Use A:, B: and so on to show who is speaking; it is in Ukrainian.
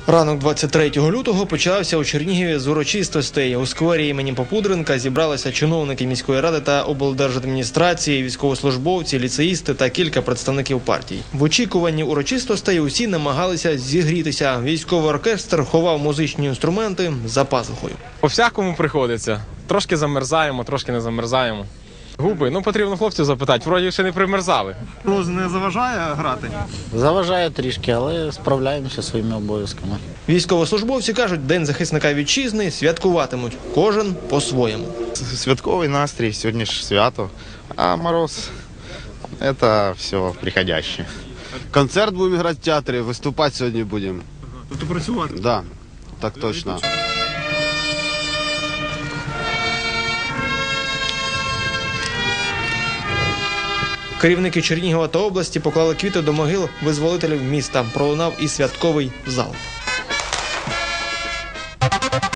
A: Ранок 23 лютого почався у Чернігові з урочистостей. У сквері імені Попудренка зібралися чиновники міської ради та облдержадміністрації, військовослужбовці, ліцеїсти та кілька представників партій. В очікуванні урочистостей усі намагалися зігрітися. Військовий оркестр ховав музичні інструменти за пазухою.
B: По-всякому приходиться. Трошки замерзаємо, трошки не замерзаємо. Губи, потрібно хлопців запитати, вроді ще не примерзали.
A: Мороз не заважає грати?
C: Заважає трішки, але справляємося своїми обов'язками.
A: Військовослужбовці кажуть, День захисника вітчизни святкуватимуть, кожен по-своєму.
D: Святковий настрій, сьогодні ж свято, а мороз – це все приходяще.
E: Концерт будемо грати в театрі, виступати сьогодні будемо.
A: Тобто працювати?
E: Так, да, так точно.
A: Керівники Чернігова та області поклали квіти до могил визволителів міста. Пролунав і святковий залп.